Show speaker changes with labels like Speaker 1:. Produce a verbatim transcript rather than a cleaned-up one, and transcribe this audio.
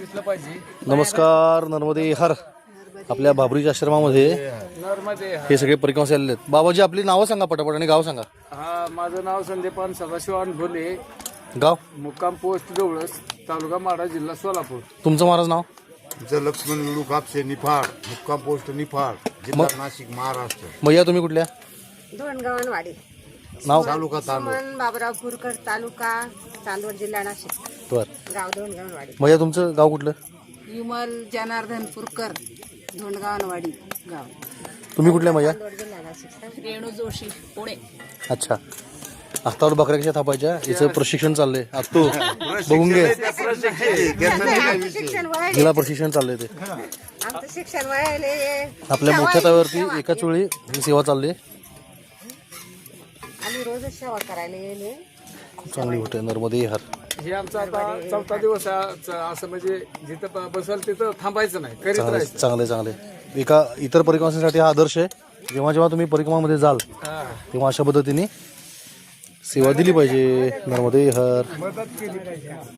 Speaker 1: दिसलं पाहिजे.
Speaker 2: नमस्कार. नर्मदे हर आपल्या बाबरीच्या आश्रमामध्ये
Speaker 1: नर्मदे हर.
Speaker 2: हे सगळे परिक्रमाचे आलेले आहेत. बाबाजी आपली नावं सांगा पटापट आणि गाव सांगा.
Speaker 1: हा, माझं नाव संदीपान सदाशिवान भोले,
Speaker 2: गाव
Speaker 1: मुक्काम पोस्ट जवळस, तालुका माढा, जिल्हा सोलापूर.
Speaker 2: तुमचं महाराज नाव.
Speaker 3: तुमचं लक्ष्मण लुलू कापसे निफाड, मुक्काम पोस्ट निफाड, जिल्हा नाशिक, महाराष्ट्र.
Speaker 2: मैया तुम्ही कुठल्या.
Speaker 4: धोंडगावनवाडी,
Speaker 2: नाव.
Speaker 3: तालुका तांदूळ.
Speaker 4: सुमन बाबुराव पुरकर, तालुका चांदवड, जिल्हा नाशिक,
Speaker 2: बर.
Speaker 4: गाव धोंडगावनवाडी.
Speaker 2: मैया तुमचं गाव कुठलं.
Speaker 4: विमल जनार्दन पुरकर, धोंडगावनवाडी गाव,
Speaker 2: तुम्ही कुठल्या मैया.
Speaker 4: चांदवड, जिल्हा नाशिक.
Speaker 5: रेणू जोशी पुणे.
Speaker 2: अच्छा. हातावर बकऱ्या कशा थापायच्या याचं प्रशिक्षण चाललंय. आज तू बघून घे.
Speaker 4: आमचं शिक्षण वळले,
Speaker 2: जिल्हा प्रशिक्षण चाललंय ते.
Speaker 4: आमचं शिक्षण वळले.
Speaker 2: आपल्या मोठ्या तव्यावरती एकाच वेळी ही सेवा चालली.
Speaker 4: आम्ही रोजच सेवा करायला येले.
Speaker 2: खूप चांगली गोष्ट आहे. नर्मदे हर.
Speaker 1: हे आमचा आता चौथा दिवस आहे. असं म्हणजे जिथं ब- बसल तिथं थांबायचं नाही, करीत
Speaker 2: चांगले
Speaker 1: राहायचं.
Speaker 2: चांगले चांगले एका इतर परिक्रमासाठी हा आदर्श आहे. जेव्हा जेव्हा तुम्ही परिक्रमामध्ये जाल
Speaker 1: हा.
Speaker 2: तेव्हा अशा पद्धतीने सेवा दिली पाहिजे. नर्मदे हर.
Speaker 1: मदत केली पाहिजे.